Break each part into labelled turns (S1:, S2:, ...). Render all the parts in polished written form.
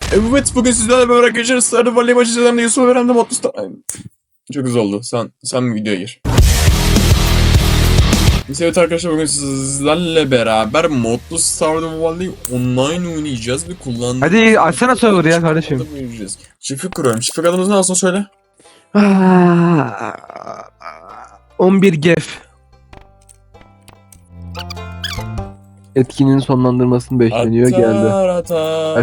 S1: Evet, bugün sizlerle beraber arkadaşlar Stardew Valley maçı izledim. Yusuf Öğren'de Mutlu Star... Çok güzel oldu. Sen videoya gir. Evet arkadaşlar, bugün sizlerle beraber Mutlu Stardew Valley online oynayacağız ve kullandığımız...
S2: Hadi açsana server ya kardeşim.
S1: Çiftlik kuruyorum. Çiftlik adımız ne olsun söyle.
S2: 11 gef. Etkinin sonlandırmasını bekleniyor geldi.
S1: Atar.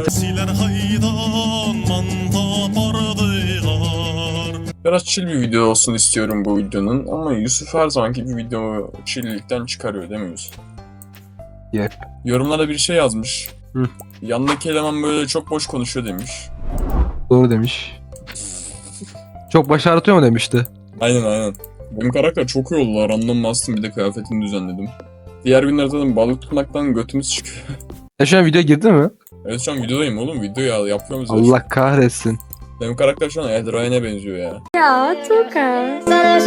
S1: Biraz chill bir video olsun istiyorum bu videonun ama Yusuf her zamanki bir video chill'likten çıkarıyor değil mi Yusuf?
S2: Yep.
S1: Yorumlarda bir şey yazmış.
S2: Hı.
S1: Yanındaki eleman böyle çok boş konuşuyor demiş.
S2: Doğru demiş. Çok başarıtıyor mu demişti.
S1: Aynen. Benim karakter çok iyi oldu. Random bastım, bir de kıyafetini düzenledim. Diğer günlerde de balık tutmaktan götümüz çıkıyor.
S2: Şu an video girdi mi?
S1: Evet, şu an videodayım oğlum. Video ya, yapıyor muyuz?
S2: Allah kahretsin.
S1: Benim karakter şu an Ed Ryan'e benziyor ya.
S3: Ya Tuka.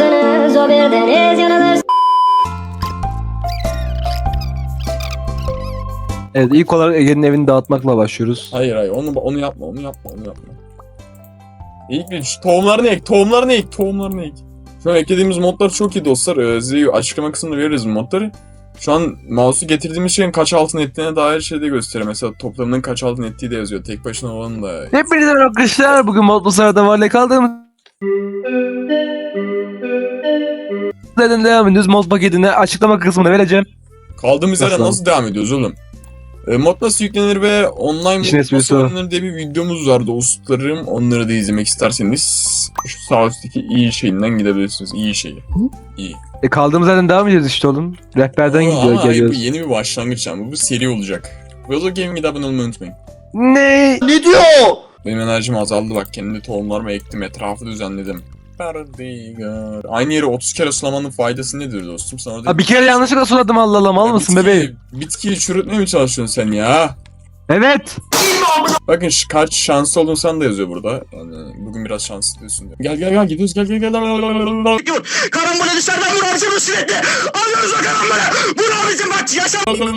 S2: Evet, ilk olarak Ege'nin evini dağıtmakla başlıyoruz.
S1: Hayır onu yapma. İlk bir şu tohumlarını ek. Şu an eklediğimiz modlar çok iyi dostlar. Size açıklama kısmında veririz modları. Şu an mouse'u getirdiğimiz şeyin kaç altın ettiğine dair şey de gösteriyor. Mesela toplamının kaç altın ettiği de yazıyor. Tek başına olanın da.
S2: Hepinize merhaba arkadaşlar. Bugün Mutlu Stardew Valley kaldığımız yerden devam ediyoruz. Mod paketini açıklama kısmına vereceğim.
S1: Kaldığımız yerden
S2: Nasıl?
S1: nasıl devam ediyoruz oğlum? Mod nasıl yüklenir ve online
S2: İşin
S1: mod
S2: esprisi
S1: nasıl
S2: o.
S1: oynanır diye bir videomuz var dostlarım. Onları da izlemek isterseniz şu sağ üstteki iyi şeyinden gidebilirsiniz. İyi şeyi. İyi.
S2: Kaldığımız yerden devam ediyoruz işte oğlum. Rehberden
S1: Ama
S2: gidiyor,
S1: hayır, bu
S2: geliyoruz.
S1: yeni bir başlangıç yani. Bu seri olacak. Velo Gaming'e abone olmayı unutmayın.
S2: Ne?
S1: Benim enerjim azaldı bak. Kendi tohumlarımı ektim. Etrafı düzenledim. Perdigar. Aynı yere 30 kere sulamanın faydası nedir dostum? Sana da...
S2: Bir kere yanlışlıkla suladım, Allah Allah, mal mısın bebeğim?
S1: Bitkiyi çürütmeye mi çalışıyorsun sen ya?
S2: Evet.
S1: Bakın kaç şanslı oldun sen de yazıyor burada. Yani bugün biraz şanslı diyorsun diyor. Gel gidiyoruz gel.
S4: Karambole dışarıdan vur abicim sürekli. Alıyoruz o karambole. Vur abicim bak yaşa.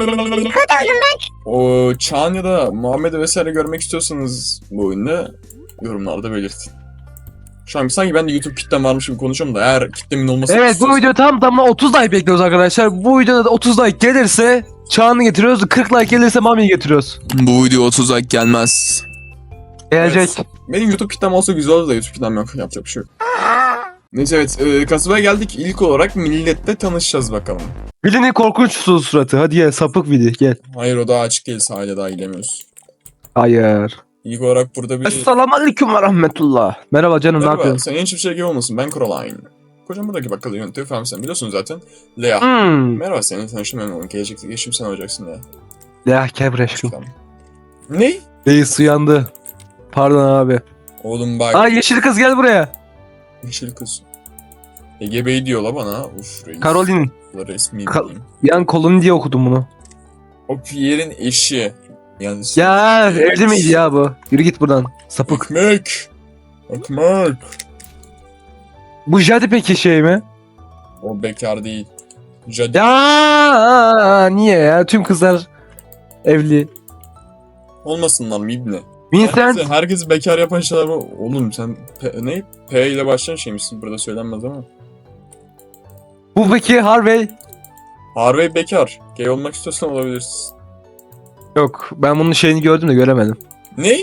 S1: O Çağan ya da Muhammed'i vesaire görmek istiyorsanız bu oyunda yorumlarda belirtin. Şu an sanki ben de YouTube kitlem varmış gibi konuşuyorum da eğer kitlemin olması...
S2: Evet, bu video tam tamına 30 like bekliyoruz arkadaşlar. Bu videoda da 30 like gelirse Çağan'ı getiriyoruz. 40 like gelirse Mami'yi getiriyoruz.
S1: Bu video 30 like gelmez.
S2: Gelecek.
S1: Evet. Benim YouTube kitlem olsa güzel olur da YouTube kitlem yok. Yapacak bir şey yok. Neyse evet, kasabaya geldik. İlk olarak milletle tanışacağız bakalım.
S2: Bilinin korkunç suratı. Hadi gel, sapık Vili gel.
S1: Hayır, o daha açık değil, sahile daha giremiyoruz.
S2: Hayır.
S1: İlk olarak burada bir...
S2: Esselamu aleyküm ve rahmetullah. Merhaba canım, ne
S1: Merhaba,
S2: yapıyorsun?
S1: sen hiçbir şey gibi olmasın. Ben Coraline. Kocam buradaki bakkalı yönetiyor falan, sen biliyorsun zaten. Lea. Merhaba, seninle tanıştım memnun oldum. Gelecekte geçim sen olacaksın Lea.
S2: Ya kebreşkim.
S1: Tamam. Ne?
S2: Reis uyandı. Pardon abi.
S1: Oğlum bak.
S2: Aa, yeşil kız gel buraya.
S1: Yeşil kız. Ege Bey diyor la bana. Uf reis.
S2: Caroline.
S1: Resmi
S2: Ka-
S1: bileyim.
S2: Yan kolunu diye okudum bunu.
S1: O Pierre'in eşi. Yani
S2: Ya evli miydi ya bu? Yürü git buradan. Sapık.
S1: Ekmek.
S2: Bu Jade peki şey mi?
S1: O bekar değil. Jadi.
S2: Ya niye ya? Tüm kızlar evli.
S1: Olmasınlar mı ibne?
S2: Vincent.
S1: Herkes bekar yapan şeyler bu. Oğlum sen ne? P ile başlayan şey misin? Burada söylenmez ama.
S2: Bu peki Harvey.
S1: Harvey bekar. Gay olmak istiyorsan olabilirsin.
S2: Yok, ben bunun şeyini gördüm de göremedim.
S1: Ne?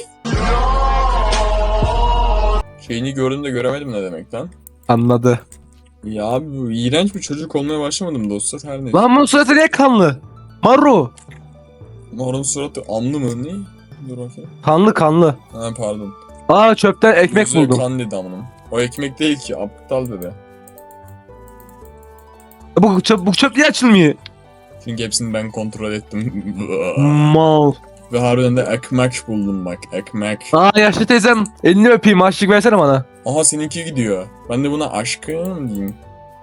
S1: Şeyini gördüm de göremedim ne demek lan?
S2: Anladı.
S1: Ya abi bu iğrenç bir çocuk olmaya başlamadım dostlar, her neyse.
S2: Lan bunun suratı niye kanlı? Maru.
S1: Morun suratı amlı mı? Ne? Dur bakayım.
S2: Kanlı.
S1: Ha pardon.
S2: Aa, çöpten ekmek
S1: Yüzüğe
S2: buldum.
S1: kan dedi amınım. O ekmek değil ki, aptal dedi.
S2: Bu çöp niye açılmıyor?
S1: Çünkü hepsini ben kontrol ettim.
S2: Mal.
S1: Ve harbiden de ekmek buldum bak, ekmek.
S2: Aa, yaşlı teyzem, elini öpeyim, açlık versene bana.
S1: Aha seninki gidiyor. Ben de buna aşkım diyeyim.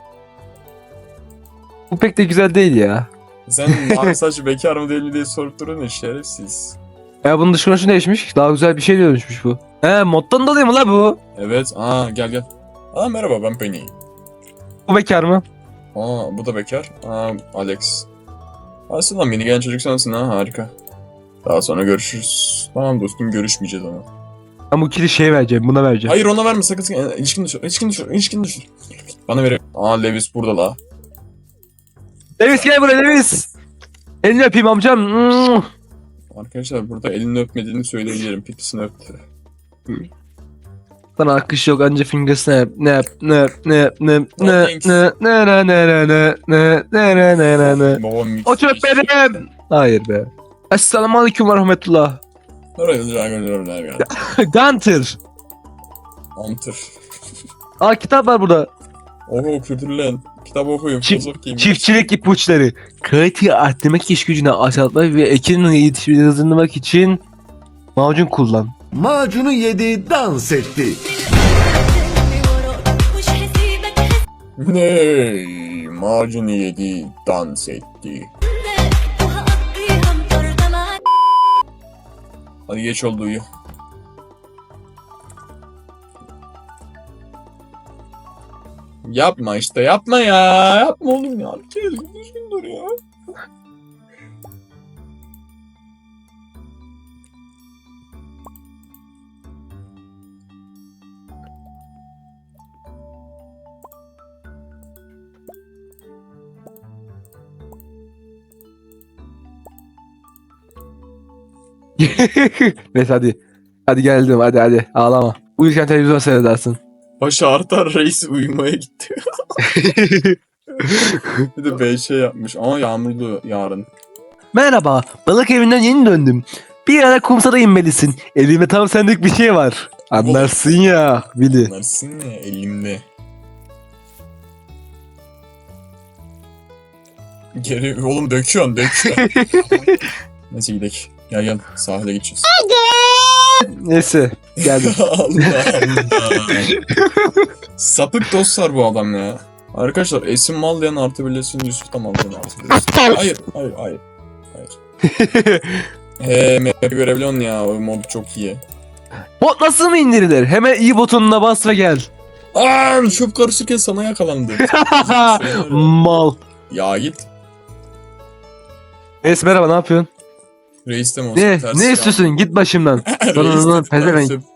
S2: Bu pek de güzel değil ya.
S1: Sen mavi saç bekar mı değil mi diye sorup durun ya, şerefsiz.
S2: Ya bunun dış görünüşü değişmiş. Daha güzel bir şey dönüşmüş bu. He, moddan dolayı mı la bu?
S1: Evet, gel. Aa merhaba, ben Penny.
S2: Bu bekar mı?
S1: Aa bu da bekar. Alex. Aslında beni genç çocuk sensin ha, harika. Daha sonra görüşürüz. Tamam dostum, görüşmeyeceğiz ama.
S2: Ben bu kili şey vereceğim, buna vereceğim.
S1: Hayır, ona verme sakın. İlişkin düşür. İlişkin düşür. Bana ver. Aa, Levis burada la.
S2: Levis gel buraya Levis. Elini öpeyim amcam.
S1: Arkadaşlar burada elini öpmediğini söyleyebilirim. Pipisini öptü.
S2: Sana akış yok anca finger snap. Ne
S1: Babam mix.
S2: O çöp benim. Hayır be. Esselamu aleyküm ve rahmetullah. Gunter.
S1: Antır.
S2: Aa kitap var burada.
S1: Oho, kültürlen. Kitap okuyun. Filozof game.
S2: Çiftçilik ipuçları. Kaliteyi arttırmak, iş gücünü azaltmak ve ekinin yetişimini hızlandırmak için macun kullan.
S3: Macunu yedi, dans etti.
S1: Ney? Macunu yedi, dans etti. Hadi geç oldu, uyu. Yapma işte, yapma ya. Yapma oğlum ya. Bir kere düzgün dur ya.
S2: Neyse hadi. Hadi geldim hadi ağlama. Uyurken televizyon seyredersin.
S1: Başı artar, reis uyumaya gitti. Bir de BŞ yapmış ama yağmurlu yarın.
S2: Merhaba, balık evinden yeni döndüm. Bir ara kumsala inmelisin. Elimde tam sendik bir şey var. Anlarsın ya, Billy.
S1: Anlarsın ya, elimde. Geri oğlum, döküyorsun. Neyse gidelim. Gel sahile gideceğiz.
S2: Neyse, geldim.
S1: Allah Allah. Sapık dostlar bu adam ya. Arkadaşlar Esin Maldayan artı birleşsin, Yusuf da Maldayan artı birleşsin. Hayır. Map'i görebiliyorsun ya, o mod çok iyi.
S2: Bot nasıl mı indirilir? Hemen iyi butonuna bas ve gel.
S1: Aaa, çöp karışırken sana yakalandı.
S2: Mal.
S1: Ya git.
S2: Neyse merhaba, ne yapıyorsun?
S1: Reis de mi olsun?
S2: Ne?
S1: Ters
S2: Ne
S1: ya.
S2: istiyorsun? Git başımdan.
S1: Reis
S2: Lan,
S1: de
S2: pezevenk.
S1: ters.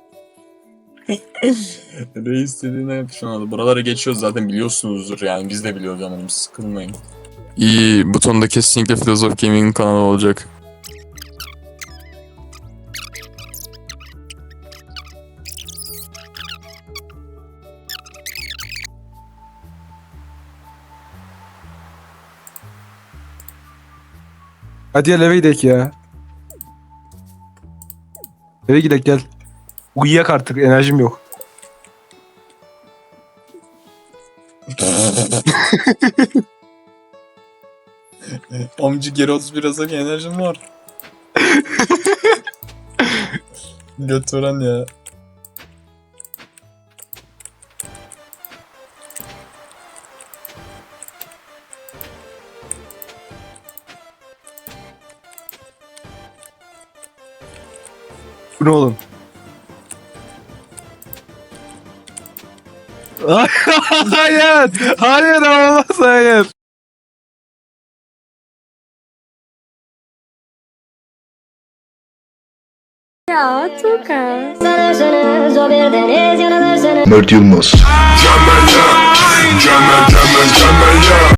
S1: Reis dediğine yap şu anda. Buraları geçiyoruz zaten, biliyorsunuzdur yani, biz de biliyoruz ama sıkılmayın. İyi, butonda kesinlikle Filozof Gaming kanalı olacak.
S2: Hadi gel eve gidelim ya. Eve gidelim gel. Uyuyak artık, enerjim yok.
S1: Amcı geri 31 Azak enerjim var. Götüren ya.
S2: Bu ne oğlum? Hayır! Hayır olmaz hayır!
S5: Ya Tuka.
S3: Mert Yılmaz.